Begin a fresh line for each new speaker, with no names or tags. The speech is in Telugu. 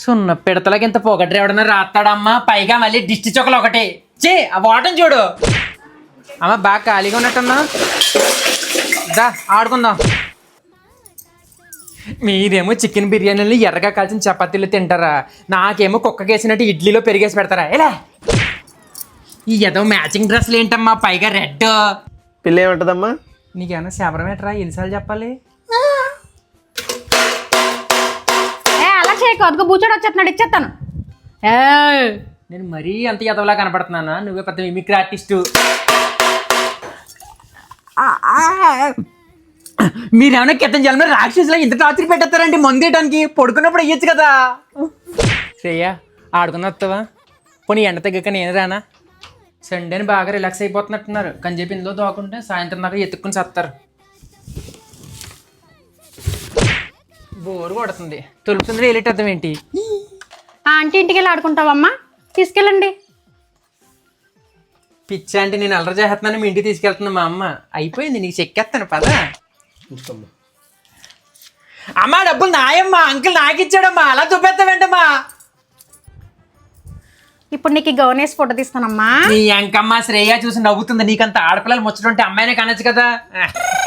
సున్న పిడతలకి ఇంత పొగడ్రు ఎవడన్నా రాస్తాడమ్మా, పైగా మళ్ళీ దిష్టి చొక్కలు ఒకటి. చే ఆ వాటం చూడు అమ్మ, బాగా ఖాళీగా ఉన్నట్టున్నా. దా ఆడుకుందాం. మీరేమో చికెన్ బిర్యానీలు ఎర్రగా కాల్చిన చపాతీలు తింటారా, నాకేమో కుక్కకేసినట్టు ఇడ్లీలో పెరిగేసి పెడతారా. ఎలా ఈ ఏదో మ్యాచింగ్ డ్రెస్లు ఏంటమ్మా, పైగా రెడ్.
పిల్ల ఏమంటదమ్మా?
నీకేమన్నా శబరం ఎట్రా, ఎన్నిసార్లు చెప్పాలి?
అలా చేయకు, అదిగో బూచోడు వచ్చేస్తున్నాడు, ఇచ్చేస్తాను.
నేను మరీ అంత ఎదవలా కనపడుతున్నానా? నువ్వే పెద్ద మిమిక్రీ ఆర్టిస్టు. మీరేమన్నా క్రితం జన్మ రాక్షసులా ఇంత టార్చర్ పెట్టేస్తారండి మందేయడానికి? పడుకున్నప్పుడు అయ్యొచ్చు కదా. శ్రేయ ఆడుకుని వస్తావా? పోనీ ఎండ తగ్గక నేను రానా? సండేని బాగా రిలాక్స్ అయిపోతున్నట్టున్నారు, కానీ చెప్పి ఇందులో దోకుంటే సాయంత్రం దాకా ఎత్తుక్కుని చేస్తారు. బోరు కొడుతుంది, తొలుపుతుంది వెళ్ళేటర్థం ఏంటి?
ఆంటీ ఇంటికి వెళ్ళి ఆడుకుంటావమ్మా, తీసుకెళ్ళండి.
పిచ్చా అంటే నేను అల్లరి చేస్తున్నాను, మీ ఇంటికి తీసుకెళ్తున్నా మా అమ్మ. అయిపోయింది, నీకు చెక్కేస్తాను పద. అమ్మా డబ్బులు నాయమ్మా, అంకుల్ నాకు ఇచ్చాడమ్మా, అలా చూపెత్తావేంటమ్మా?
ఇప్పుడు నీకు ఈ గౌన్ వేసి ఫోటో తీస్తానమ్మా.
నీ అంకమ్మ శ్రేయ చూసి నవ్వుతుంది, నీకంత ఆడపిల్లలు ముచ్చటుంటే అమ్మాయినే కనొచ్చు కదా.